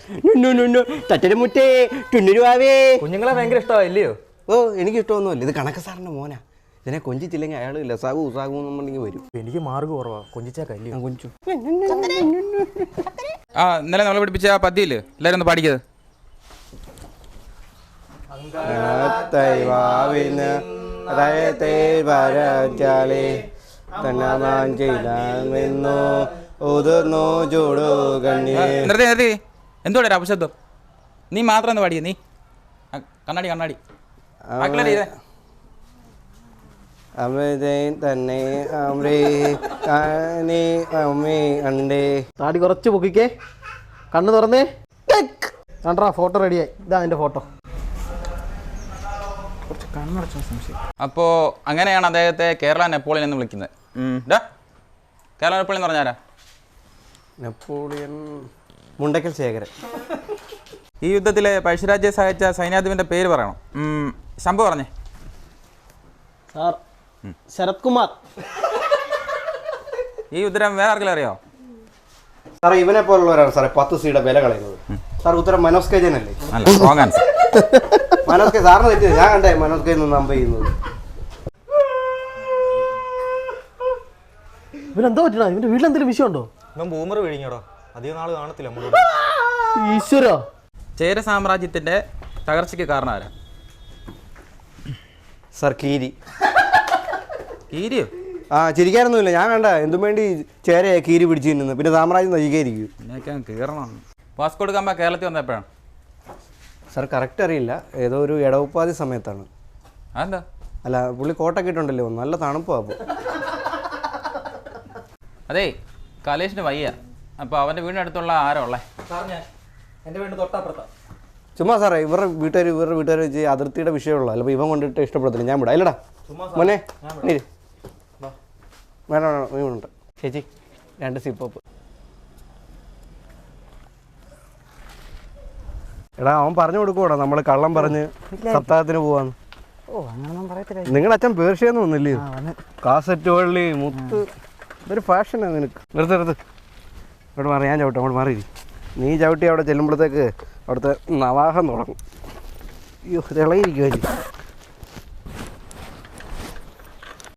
തട്ടരമുറ്റേ ടുന്നുരുവാവേ. കുഞ്ഞുങ്ങളെ ഭയങ്കര ഇഷ്ടമായില്ലയോ? ഓ എനിക്ക് ഇഷ്ടമൊന്നുമില്ല. ഇത് കണക്ക് സാറിൻ്റെ മോനാ. ഇതിനെ കൊഞ്ചിച്ചില്ലെങ്കിൽ അയാൾ ലസാഗു ഉസാഗു എന്നുണ്ടെങ്കിൽ വരും. എനിക്ക് മാർഗ് കുറവാ, കൊഞ്ചിച്ചാക്കല്ലേ കൊഞ്ചു. ഇന്നലെ നമ്മളെ പഠിപ്പിച്ച ആ പദ്യയില്ലേ, എല്ലാവരും ഒന്ന് പാടിക്കത്. എന്തോടെ അപശബ്ദം? നീ മാത്രം ഒന്ന് പാടിയേ. നീ കണ്ണാടി കണ്ണാടി താടി കുറച്ച് പൊക്കിക്കേ, കണ്ണ് തുറന്നേ. കണ്ടാ ഫോട്ടോ റെഡിയായി. ഇതാ അതിന്റെ ഫോട്ടോ. അപ്പോ അങ്ങനെയാണ് അദ്ദേഹത്തെ കേരള നെപ്പോളിയൻ എന്ന് വിളിക്കുന്നത്. കേരള നെപ്പോളിയൻ എന്ന് പറഞ്ഞാരാ? നെപ്പോളിയൻ മുണ്ടക്കൽ ശേഖരൻ. ഈ യുദ്ധത്തിലെ പഴശ്ശിരാജയെ സഹായിച്ച സൈന്യാധിപന്റെ പേര് പറയണം. ശംഭു പറഞ്ഞേ. സാർ ശരത് കുമാർ. ഈ ഉത്തരം വേറെ ആർക്കെങ്കിലും അറിയോ? സാറേ ഇവനെ പോലുള്ളവരാണ് സാറേ 10 സീയുടെ വില കളയുന്നത്. സാർ ഉത്തരം മനോജ് കെ ജൻ അല്ലേ? Wrong answer. മനോജ് കെ സാറിന് തെറ്റിയത്. ഞാൻ കണ്ടേ മനോജ് കെ നമ്പർ ചെയ്യുന്നത്. ഇവനെന്താ പറ്റണ? ഇവന്റെ വീട്ടിലെന്തെങ്കിലും വിഷയമുണ്ടോ? ഇവൻ ബൂമർ വിഴിഞ്ഞോടോ, അധികം നാൾ കാണത്തില്ല. ഈശ്വര. ചേര സാമ്രാജ്യത്തിന്റെ തകർച്ചയ്ക്ക് കാരണം ആരാ? സാർ കീരി. കീരിയോ? ചിരിക്കാനൊന്നുമില്ല. ഞാൻ കണ്ട എന്തും വേണ്ടി ചേരയെ കീരി പിടിച്ചു തിന്നുന്നു. പിന്നെ സാമ്രാജ്യം നശിക്കായിരിക്കും. എന്നൊക്കെ കീറണം. വാസ്കോ ഡ ഗാമ കേരളത്തിൽ വന്നപ്പോഴാണ്? സാർ കറക്റ്റ് അറിയില്ല. ഏതോ ഒരു ഇടവപ്പാതി സമയത്താണ്. അതെന്താ? അല്ല പുള്ളി കോട്ടൊക്കെ ഇട്ടുണ്ടല്ലോ, നല്ല തണുപ്പാണ്. അപ്പോൾ അതേ കലേഷിന് വയ്യ. അപ്പോൾ അവൻ്റെ വീടിനടുത്തുള്ള ആരോ ഉള്ളേ? എൻ്റെ വീട് തൊട്ടപ്പുറത്താ. ചുമ്മാ സാറേ ഇവരുടെ വീട്ടുകാർ വെച്ച് അതിർത്തിയുടെ വിഷയമുള്ള അല്ല. ഇവൻ കൊണ്ടിട്ട് ഇഷ്ടപ്പെടത്തില്ല. ഞാൻ വിടാം. ഇല്ലടാ മോനെ വേണ്ട. ചേച്ചി 2 സിപ്പപ്പ്. എടാ അവൻ പറഞ്ഞു കൊടുക്കൂടാ നമ്മൾ കള്ളം പറഞ്ഞ് സപ്താഹത്തിന് പോവാന്ന്. നിങ്ങളുടെ അച്ഛൻ പേർഷ്യന്ന് വന്നില്ലേ? കാസറ്റ് വള്ളി മുത്ത് ഇതൊരു ഫാഷനാണ് നിനക്ക്. നിർത്ത് ഇവിടെ മാറി. ഞാൻ ചവിട്ടും. അവിടെ മാറി. നീ ചവിട്ടി അവിടെ ചെല്ലുമ്പോഴത്തേക്ക് അവിടുത്തെ നവാഹം തുടങ്ങും. അയ്യോ തിളയിരിക്കുമല്ലേ.